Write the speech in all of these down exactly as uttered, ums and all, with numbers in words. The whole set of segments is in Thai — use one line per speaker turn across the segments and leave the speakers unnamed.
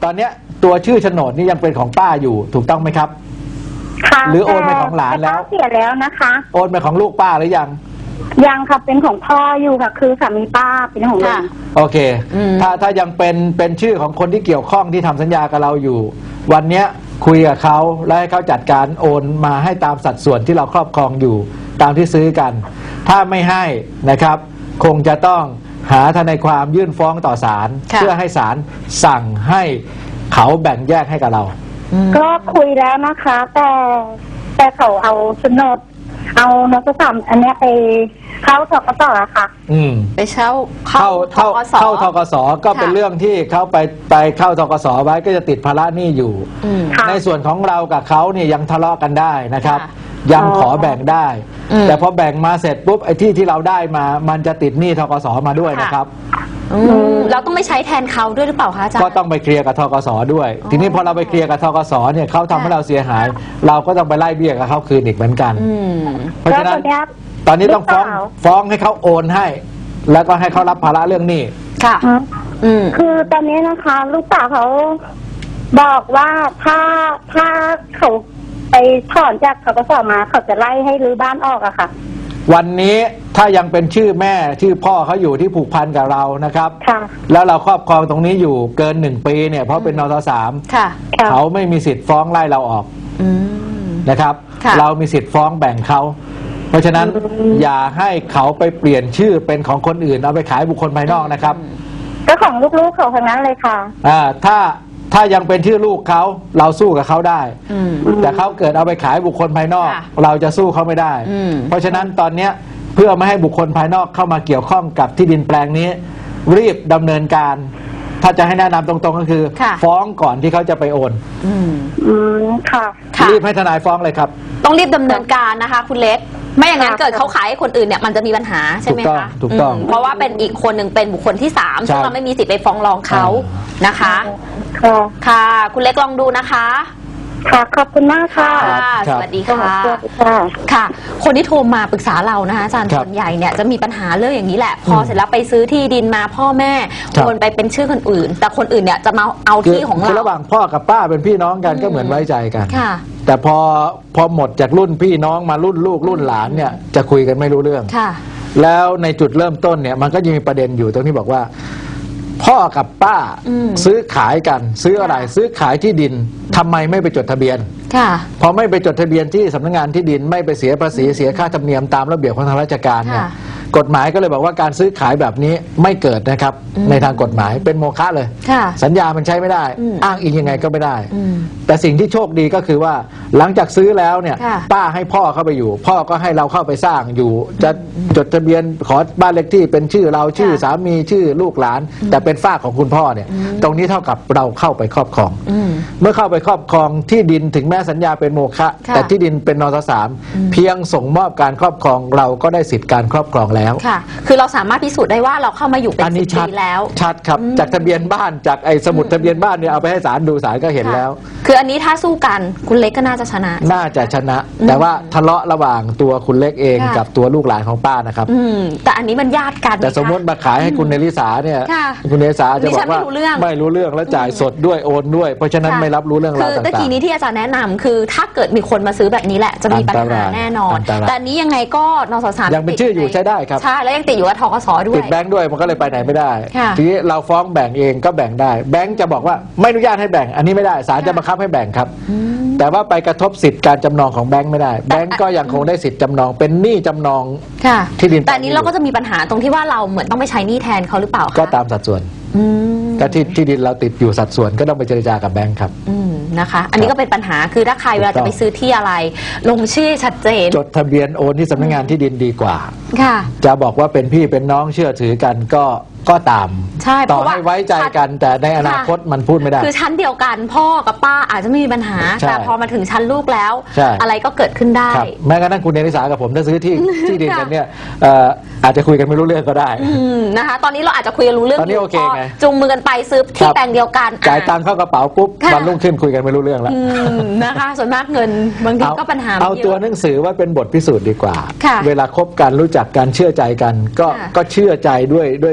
ตอนเนี้ยตัวชื่อโฉนดนี่ยังเป็นของป้าอยู่ถูกต้องไหมครับ
ค่ะ
หรือโอนไปของหลานแล้ว
เสียแล้วนะคะ
โอนไปของลูกป้าหรือยัง
ยังค่ะเป็นของพ่ออยู่ค่ะคือสามีป้าเป็นของลุง
โอเคถ้าถ้ายังเป็นเป็นชื่อของคนที่เกี่ยวข้องที่ทำสัญญากับเราอยู่วันเนี้ยคุยกับเขาและให้เขาจัดการโอนมาให้ตามสัดส่วนที่เราครอบครองอยู่ตามที่ซื้อกันถ้าไม่ให้นะครับคงจะต้องหาทนายความยื่นฟ้องต่อศาลเพื่อให้ศาลสั่งให้เขาแบ่งแยกให้กับเรา
ก็คุยแล้วนะคะแต่แต่เขาเอาโฉนดเอานสสามอันนี้ไปเข้าทกสค่ะ
อืม
ไปเช่า
เข้าเข้าเข้าทกสก็เป็นเรื่องที่เขาไปไปเข้าทกสไว้ก็จะติดภาระหนี้อยู่ในส่วนของเรากับเขาเนี่ยยังทะเลาะกันได้นะครับยังขอแบ่งได้แต่พอแบ่งมาเสร็จปุ๊บไอ้ที่ที่เราได้มามันจะติดหนี้ทกสมาด้วยนะครับ
เราต้องไม่ใช้แทนเขาด้วยหรือเปล่าคะอาจารย์
ก็ต้องไปเคลียร์กับทกสด้วยทีนี้พอเราไปเคลียร์กับทกสเนี่ยเขาทำให้เราเสียหายเราก็ต้องไปไล่เบี้ยกับเขาคืนอีกเหมือนกันเพราะฉะนั้นตอนนี้ต้องฟ้องฟ้องให้เขาโอนให้แล้วก็ให้เขารับภาระเรื่องหนี้
ค่ะ
คือตอนนี้นะคะลูกสาวเขาบอกว่าถ้าถ้าเขาไปถอนจากทกสมาเขาจะไล่ให้รื้อบ้านออกอะค่ะ
วันนี้ถ้ายังเป็นชื่อแม่ชื่อพ่อเขาอยู่ที่ผูกพันกับเรานะครับแล้วเราครอบครองตรงนี้อยู่เกินหนึ่งปีเนี่ยเพราะเป็นนสสามเขาไม่มีสิทธิ์ฟ้องไล่เราออกนะครับเรามีสิทธิ์ฟ้องแบ่งเขาเพราะฉะนั้นอย่าให้เขาไปเปลี่ยนชื่อเป็นของคนอื่นเอาไปขายบุคคลภายนอกนะครับ
ก็ของลูกๆเขาทั้งนั้นเลยค่ะ
อ่าถ้าถ้ายังเป็นชื่อลูกเขาเราสู้กับเขาได้แต่เขาเกิดเอาไปขายบุคคลภายนอกเราจะสู้เขาไม่ได้เพราะฉะนั้นตอนนี้เพื่อไม่ให้บุคคลภายนอกเข้ามาเกี่ยวข้องกับที่ดินแปลงนี้รีบดำเนินการถ้าจะให้แนะนำตรงๆก็คือฟ้องก่อนที่เขาจะไปโอน
อืมค่ะ
รีบให้ทนายฟ้องเลยครับ
ต้องรีบดำเนินการนะคะคุณเล็กไม่อย่างนั้นเกิดเขาขายให้คนอื่นเนี่ยมันจะมีปัญหาใช่ไหมคะ
ถูกต้อง
เพราะว่าเป็นอีกคนหนึ่งเป็นบุคคลที่สามซึ่งเราไม่มีสิทธิ์ไปฟ้องร้องเขานะคะค่ะคุณเล็กลองดูนะคะ
ค่ะขอบคุณมากค่ะ
สวัสดีค่ะค่ะคนที่โทรมาปรึกษาเรานะคะอาจารย์ส่วนใหญ่เนี่ยจะมีปัญหาเรื่องอย่างนี้แหละพอเสร็จแล้วไปซื้อที่ดินมาพ่อแม่โอนไปเป็นชื่อคนอื่นแต่คนอื่นเนี่ยจะมาเอาที่ของเรา
ระหว่างพ่อกับป้าเป็นพี่น้องกันก็เหมือนไว้ใจกันแต่พอพอหมดจากรุ่นพี่น้องมารุ่นลูกรุ่นหลานเนี่ยจะคุยกันไม่รู้เรื่องแล้วในจุดเริ่มต้นเนี่ยมันก็ยังมีประเด็นอยู่ตรงที่บอกว่าพ่อกับป้าซื้อขายกันซื้ออะไรซื้อขายที่ดินทำไมไม่ไปจดทะเบียนพอไม่ไปจดทะเบียนที่สำนักงานที่ดินไม่ไปเสียภาษีเสียค่าธรรมเนียมตามระเบียบของทางราชการเนี่ยกฎหมายก็เลยบอกว่าการซื้อขายแบบนี้ไม่เกิดนะครับในทางกฎหมายเป็นโมฆะเลยสัญญามันใช้ไม่ได้อ้างอิงยังไงก็ไม่ได้แต่สิ่งที่โชคดีก็คือว่าหลังจากซื้อแล้วเนี่ยป้าให้พ่อเข้าไปอยู่พ่อก็ให้เราเข้าไปสร้างอยู่จะจดทะเบียนขอบ้านเลขที่เป็นชื่อเราชื่อสามีชื่อลูกหลานแต่เป็นฝากของคุณพ่อเนี่ยตรงนี้เท่ากับเราเข้าไปครอบครองเมื่อเข้าไปครอบครองที่ดินถึงแม้สัญญาเป็นโมฆะแต่ที่ดินเป็นนสสามเพียงส่งมอบการครอบครองเราก็ได้สิทธิการครอบครองแล้ว
ค่ะคือเราสามารถพิสูจน์ได้ว่าเราเข้ามาอยู่เป็นสิบปีแล้ว
ชัดครับจากทะเบียนบ้านจากไอ้สมุดทะเบียนบ้านเนี่ยเอาไปให้ศาลดูศาลก็เห็นแล้ว
คืออันนี้ถ้าสู้กันคุณเล็กก็น่าจะชนะ
น่าจะชนะแต่ว่าทะเลาะระหว่างตัวคุณเล็กเองกับตัวลูกหลานของป้านะครับ
แต่อันนี้มันญาติกัน
แต่สมมติมาขายให้คุณเนลิสาเนี่ยคุณเนลิสาจะบอกว่าไม่รู้เรื่องแล้วจ่ายสดด้วยโอนด้วยเพราะฉะนั้นไม่รับรู้เรื่องราวต่างๆคือ
ตะกี้นี้ที่อาจารย์แนะนำคือถ้าเกิดมีคนมาซื้อแบบนี้แหละจะมีปัญหาแน่นอนแต่อันนี้ยังไงก็นสสาม
ยังเป็นชื่ออยู่ใช้ได้ครับ
ใช่แล้วยังติดอยู่กับทกสด้วย
ติดแบงค์ด้วยมันก็เลยไปไหนไม่ได้ทีนี้เราฟ้องแบ่งเองก็แบ่งได้แบงค์จะบอกว่าไม่อนุญาตให้แบ่งอันนี้ไม่ได้ศาลจะบังคับให้แบ่งครับแต่ว่าไปกระทบสิทธิการจำนองของแบงค์ไม่ได้แบงค์ก็ยังคงได้สิทธิจำนองเป็นหนี้จำนองที่ดิน
แต่อันนี้เราก็จะมีปัญหาตรงที่ว่าเราเหมือนต้องไปใช้หนี้แทนเขาหรือเปล่า
ก็ตามสัดส่วนก็ที่ที่ดินเราติดอยู่สัดส่วนก็ต้องไปเจรจากับแบงค์ครับ
นะคะอันนี้ก็เป็นปัญหาคือถ้าใครเวลาจะไปซื้อที่อะไรลงชื่อชัดเจน
จดทะเบียนโอนที่สำนักงานที่ดินดีกว่าจะบอกว่าเป็นพี่เป็นน้องเชื่อถือกันก็ก็ตามต่อให้ไว้ใจกันแต่ในอนาคตมันพูดไม่ได้
คือชั้นเดียวกันพ่อกับป้าอาจจะไม่มีปัญหาแต่พอมาถึงชั้นลูกแล้วอะไรก็เกิดขึ้นได้
แม้กระทั่งคุณเนริสากับผมถ้าซื้อที่ที่ดินกันเนี่ยอาจจะคุยกันไม่รู้เรื่องก็ได้
นะคะตอนนี้เราอาจจะคุยกันรู้เรื่อง
ตอนนี้โอเคไง
จุงมือกันไปซื้อที่แปลงเดียวกัน
จ่ายตังค์เข้ากระเป๋าปุ๊บวันรุ่งขึ้นคุยกันไม่รู้เรื่องแล้ว
นะคะส่วนมากเงินบางทีก็ปัญหา
เอาตัวหนังสือว่าเป็นบทพิสูจน์ดีกว่าเวลาคบกันรู้จักกันเชื่อใจกันก็ก็เชื่อใจด้วยด้วยด้วย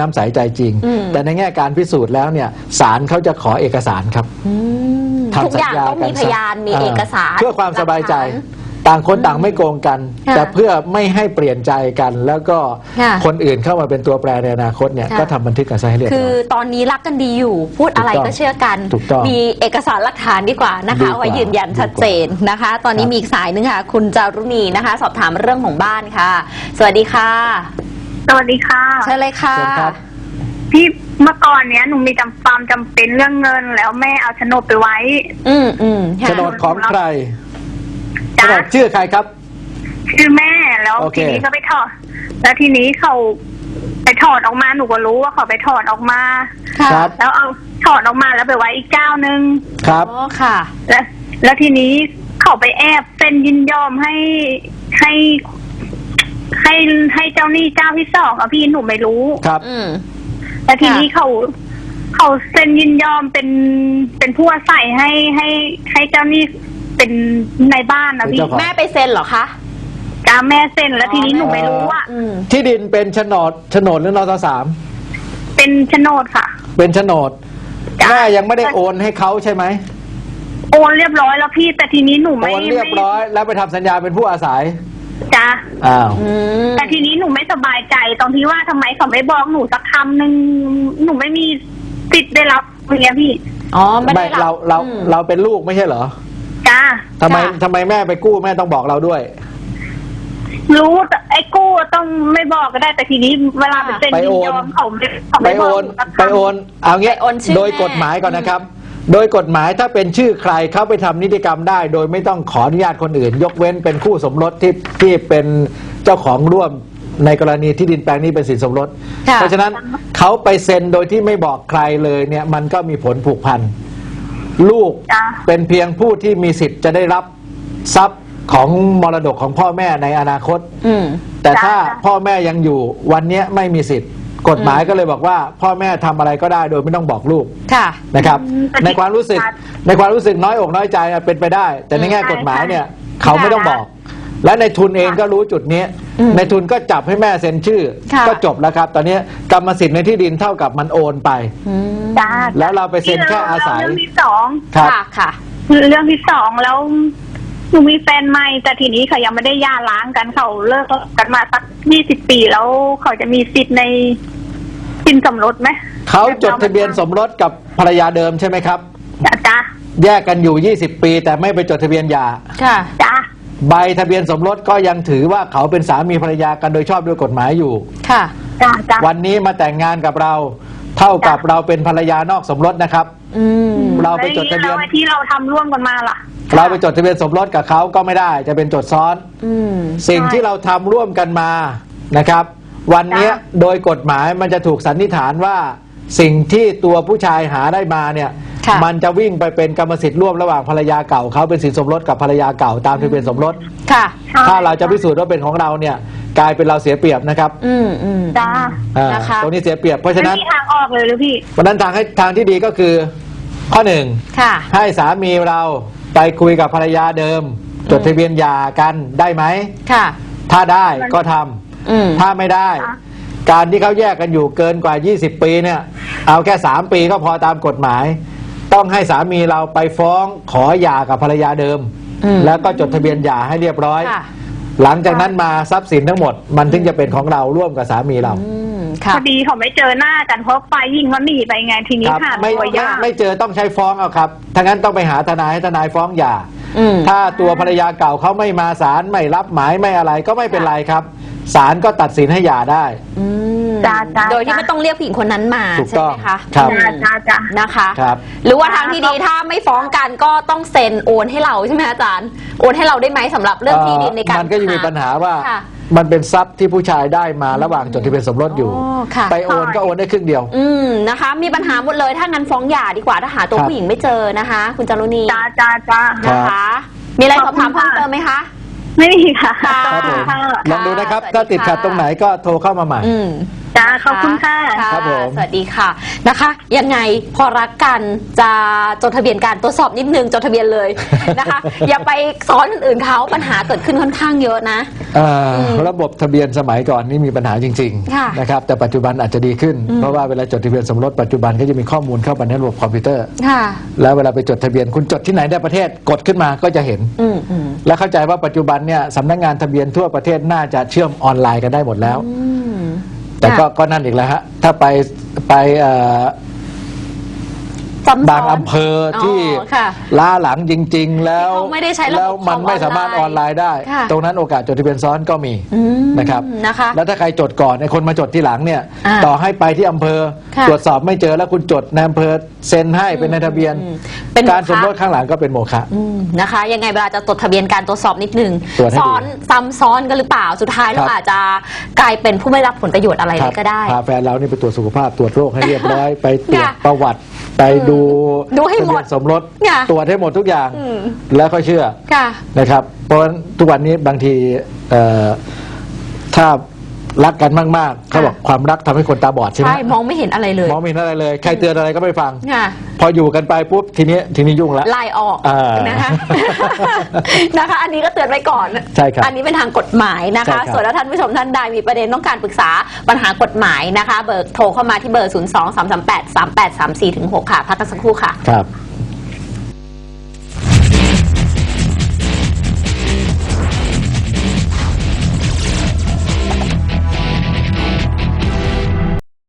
น้ำใสใจจริง
อืม
แต่ในแง่การพิสูจน์แล้วเนี่ยศาลเขาจะขอเอกสารครับ
อืม
ทำ
ทุกอย่าง
สัญญา
ต้องมี
กัน
พยานมี
อ่า
เอกสาร
เพื่อความสบายใจ
หลักฐาน
ต่างคนต่างไม่โกงกัน
ค่ะ
แต่เพื่อไม่ให้เปลี่ยนใจกัน แล้วก็
ค่ะ
คนอื่นเข้ามาเป็นตัวแปรในอนาคตเนี่ย
ค่ะ
ก็ทำบันทึกกันซะให้เรียบ
คื
ร้
อ
อย
ตอนนี้รักกันดีอยู่ พูดอะไร
ถูกต้อง
ก็เชื่อกัน
ถูกต้อง
มีเอกสารหลักฐานดีกว่านะคะ
ดีกว่า
เอาไว้ยืนยันชัดเจนนะคะ ตอนนี้
ครับ
มีอีกสายนึงค่ะ คุณจารุณีนะคะ สอบถามเรื่องของบ้านค่ะ สวัสดีค่ะ
สวัสดีค่ะ
เชิญเลยค่ะ
เชิญครับ
พี่เมื่อก่อนเนี้ยหนูมีจำความจำเป็นเรื่องเงิน แล้วแม่เอาโฉนดไปไว้
อืมอืมค่ะ
โฉนดของใครโฉ
จ้ะ
นดชื่อใครครับ
ชื่อแม่แล้ว
โอเค
ทีนี้ก็ไปถอด แล้วทีนี้เขาไปถอดออกมาหนูก็รู้ว่าเขาไปถอดออกมา
ค่ะ
ครับ
แล้วเอาถอดออกมาแล้วไปไว้อีกเจ้าหนึ่ง
ครับ
อ๋อค่ะ
แล้วแล้วทีนี้เขาไปแอบเซ็นยินยอมให้ให้ ให้ให้เจ้าหนี้เจ้าที่สองอะพี่หนูไม่รู้
ครับ
อืม
แล้วทีนี้
ค่ะ
เขาเขาเซ็นยินยอมเป็นเป็นผู้อาศัยให้ให้ให้เจ้าหนี้เป็นในบ้านนะ
เป็น
พี่
เจ้าของ
แม่ไปเซ็นเหรอคะ
จ้าแม่เซ็นแล้วทีนี้หนูไม่รู้ว่า
อืม
ที่ดินเป็นโฉนดโฉนดหรือนสสาม
เป็นโฉนดค่ะ
เป็นโฉนด
จ้ะ
แม่ยังไม่ได้โอนให้เขาใช่ไหม
โอนเรียบร้อยแล้วพี่แต่ทีนี้หนู
โอ
ไม่
นเรียบร้อยแล้วไปทำสัญญาเป็นผู้อาศัย
จ้า
อ้าว
อืม
แต่ทีนี้หนูไม่สบายใจตรงที่ว่าทำไมเขาไม่บอกหนูสักคำหนึ่งหนูไม่มีสิทธิ์ได้รับอย่างเงี้ยพี่
อ๋อไม่
ไม่
ได้
เราเรา
อืม
เราเป็นลูกไม่ใช่เหรอ
จ้า
ทำไม
ค่ะ
ทำไมแม่ไปกู้แม่ต้องบอกเราด้วย
รู้แต่ไอ้กู้ต้องไม่บอกก็ได้แต่ทีนี้เวลาไปเซ็น
ไป
ยิ
โอน น
ยอมเขาไม่เขา
ไป
ไม่บ
โอ
อก
น
หสักคำ
ไปโอนเอางี้
ไปโอนชื่อ
โดย
แม่
กฎหมายก่อนนะครับ โดยกฎหมายถ้าเป็นชื่อใครเข้าไปทำนิติกรรมได้ โดยไม่ต้องขออนุญาตคนอื่น ยกเว้นเป็นคู่สมรสที่ที่เป็นเจ้าของร่วมในกรณีที่ดินแปลงนี้เป็นสินสมรส
ค่ะ
เพราะฉะนั้นเขาไปเซ็นโดยที่ไม่บอกใครเลยเนี่ยมันก็มีผลผูกพันลูก
จ้ะ
เป็นเพียงผู้ที่มีสิทธิ์จะได้รับทรัพย์ของมรดกของพ่อแม่ในอนาคต
อืม
แต่ถ้าพ่อแม่ยังอยู่วันเนี้ยไม่มีสิทธิ์ กฎหมายก็เลยบอกว่า พ่อแม่ทำอะไรก็ได้โดยไม่ต้องบอกลูก
ค่ะ
นะครับ
อืม
ในความรู้สึกในความรู้สึกน้อยอกน้อยใจอะเป็นไปได้ แต่ในแง่กฎหมายเนี่ยเขาไม่ต้องบอก และในทุนเองก็รู้จุดนี้
อืม
ในทุนก็จับให้แม่เซ็นชื่อ
ค่ะ
ก็จบแล้วครับ ตอนนี้กรรมสิทธิ์ในที่ดินเท่ากับมันโอนไป
อืม
จ้า
แล้วเราไปเซ็นแค่อาศัย
เรื่องที่สอง
ครับ
ค่ะค่ะ
เรื่องที่สองแล้วหนูมีแฟนใหม่แต่ทีนี้เขายังไม่ได้หย่าร้างกันเขาเลิกกันมาสักยี่สิบปีแล้วเขาจะมีสิทธิ์ในสินสมรสไหม
เขาจดทะเบียนสมรสกับภรรยาเดิมใช่ไหมครับ
จ้าจ้า
แยกกันอยู่ยี่สิบปี แต่ไม่ไปจดทะเบียนหย่า
ค่ะ
จ้า
ใบทะเบียนสมรสก็ยังถือว่าเขาเป็นสามีภรรยากันโดยชอบด้วยกฎหมายอยู่
ค่ะ
จ้าจ้า
วันนี้มาแต่งงานกับเรา เท่ากับเราเป็นภรรยานอกสมรสนะครับ
อืม
เราไปจดทะเบียน
แล้วที่เราทำร่วมกันมาล่ะ
เราไปจดทะเบียนสมรสกับเขาก็ไม่ได้ จะเป็นจดซ้อน
อืม
สิ่งที่เราทำร่วมกันมานะครับ วันนี้
จ้ะ
โดยกฎหมายมันจะถูกสันนิษฐานว่า สิ่งที่ตัวผู้ชายหาได้มาเนี่ย
ค่ะ
มันจะวิ่งไปเป็นกรรมสิทธิ์ร่วมระหว่างภรรยาเก่าเขาเป็นสินสมรสกับภรรยาเก่าตามทะเบียนสมรส
ค่ะ
ถ้าเราจะพิสูจน์ว่าเป็นของเราเนี่ยกลายเป็นเราเสียเปรียบนะครับ
อืมอืม
จ้า
อ่า
นะคะ
ตรงนี้เสียเปรียบเพราะฉะ
ไม่
นั้น
มีทางออกเลยหรือพี่
วันนั้นทางให้ทางที่ดีก็คือข้อหนึ่ง
ค่ะ
ให้สามีเราไปคุยกับภรรยาเดิม จดทะเบียนหย่ากันได้ไหม
ค่ะ
ถ้าได้ก็ทำ
อืม
ถ้าไม่ได้
ค่ะ
การที่เขาแยกกันอยู่เกินกว่า ยี่สิบ ปีเนี่ยเอาแค่สามปีก็พอตามกฎหมาย ต้องให้สามีเราไปฟ้องขอหย่ากับภรรยาเดิม
อืม
แล้วก็จดทะเบียนหย่าให้เรียบร้อย
ค่ะ
หลังจากนั้นมาทรัพย์สินทั้งหมด มันถึงจะเป็นของเราร่วมกับสามีเรา
อืม
พ
ค่ะ
อดีเขาไม่เจอหน้ากันเพราะฝ่ายหญิงเขาหนีไปไงทีนี้
ครับ
หา
ไม่
ตัว
ไม่
ยาก
ไม่เจอต้องใช้ฟ้องเอาครับถ้างั้นต้องไปหาทนายให้ทนายฟ้องหย่า
อืม
ถ้าตัวภรรยาเก่าเขาไม่มาศาลไม่รับหมายไม่อะไรก็ไม่เป็นไรครับศาลก็ตัดสินให้หย่าได้
อืม
จ้าจ้า
โดยที่ไม่ต้องเรียกผู้หญิงคนนั้นมา
ถูก
ใช่
ต้อง
ไหมคะ
ครับ
อื
จ้าม จ้าจ้า
นะคะ
ครับ
หรือว่าทางที่ดีถ้าไม่ฟ้องกันก็ต้องเซ็นโอนให้เราใช่ไหมอาจารย์ โอนให้เราได้ไหมสำหรับเรื่องที่ดินในการ
มันก็ยังมีปัญหาว่า
ค่ะ
มันเป็นทรัพย์ที่ผู้ชายได้มาระหว่างจดทะเบียนสมรสอยู่
อ๋อค่ะ
ไปโอนก็โอนได้ครึ่งเดียว
อืมนะคะ มีปัญหาหมดเลยถ้างั้นฟ้องหย่าดีกว่าถ้าหาตัว
ครับ
ผู้หญิงไม่เจอนะคะ คุณจารุณี
จ้าจ้าจ้า
ครับ
นะคะ มีอะไรสอบถามเพิ่มเติมไหมคะ
ไม่มีค่ะ
ค่ะ
ครับผม
ค่ะ
ลองดูนะครับ
สวัสดี
ถ้าติดขัด
ค่ะ
ตรงไหนก็โทรเข้ามาใหม่
อืม
จ้าขอบคุณค่ะ
ครับผม
สวัสดีค่ะนะคะ ยังไงพอรักกันจะจดทะเบียนการตรวจสอบนิดนึงจดทะเบียนเลยนะคะ อย่าไปซ้อนคนอื่นเขาปัญหาเกิดขึ้นค่อนข้างเยอะนะ
อ่าระบบทะเบียนสมัยก่อนนี่มีปัญหาจริง
ค่ะ
ๆนะครับแต่ปัจจุบันอาจจะดีขึ้น เพราะว่าเวลาจดทะเบียนสมรสปัจจุบันก็จะมีข้อมูลเข้าไปในระบบคอมพิวเตอร์
ค่ะ
แล้วเวลาไปจดทะเบียนคุณจดที่ไหนในประเทศกดขึ้นมาก็จะเห็น
อืมอืม
และเข้าใจว่าปัจจุบันเนี่ยสำนักงานทะเบียนทั่วประเทศน่าจะเชื่อมออนไลน์กันได้หมดแล้ว
อืม
แต่ก็
ค่ะ
ก็นั่นอีกแล้วฮะถ้าไปไปเอ่อ
ซ้ำซ้น
บางอำเภอที่
อ๋อค่ะ
ล้าหลังจริง ๆ แล้ว
ที่เขาไม่ได้ใช้ระบบ
แล้วมันไม่สามารถ
ข
อ
องอ
อ
อน น
ไล
ไลน์
น์ได้
ค่ะ
ตรงนั้นโอกาสจดทะเบียนซ้อนก็มี
อืม
นะครับ
นะคะ
แล้วถ้าใครจดก่อนไอ้คนมาจดที่หลังเนี่ย
อ่า
ต่อให้ไปที่อำเภอ
ค่ะ
ตรวจสอบไม่เจอแล้วคุณจดในอำเภอเซ็นให้เป็นในทะเบียน
อืมเป็นโมฆะ
การสมรสข้างหลังก็เป็นโมฆะ
อืมนะคะ ยังไงเวลาจะจดทะเบียนการตรวจสอบนิดนึง
ตรวจให้ดี
ซ้อนซ้ำซ้อนกันหรือเปล่าสุดท้าย
ค
เรา
รับ
อาจจะกลายเป็นผู้ไม่รับผลประโยชน์อะไรเลยก็ได้
พาแฟนเรานี่ไปตรวจสุขภาพตรวจโรคให้เรียบร้อย ไปตรวจ
ค่ะ
ประวัติไปดู
ดูให้หมด
ทะเบียนสมรส
ค่ะ
ตรวจให้หมดทุกอย่าง
อืม
แล้วก็เชื่อ
ค่ะ
นะครับเพราะฉะนั้นทุกวันนี้บางทีเอ่อถ้ารักกันมากๆเขาบอกความรักทำให้คนตาบอดใช่ไหม
ใช่มองไม่เห็นอะไรเลย
มองไม่เห็นอะไรเลย ใครเตือนอะไรก็ไม่ฟัง
ค่ะ
พออยู่กันไปปุ๊บทีนี้ทีนี้ยุ่งแล้ว
ไล่ออก
อ่า
นะคะ นะคะ อันนี้ก็เตือนไว้ก่อน
ใช่ครับ
อันนี้เป็นทางกฎหมายนะ
ใช่ครั
คะ
บ
ส่วนถ้าท่านผู้ชมท่านใดมีประเด็นต้องการปรึกษาปัญหากฎหมายนะคะ เบอร์โทรเข้ามาที่เบอร์ ศูนย์ สอง สาม สาม แปด สาม แปด สาม สี่ ถึง หก ค่ะ พักกันสักครู่ค่ะ
ครับ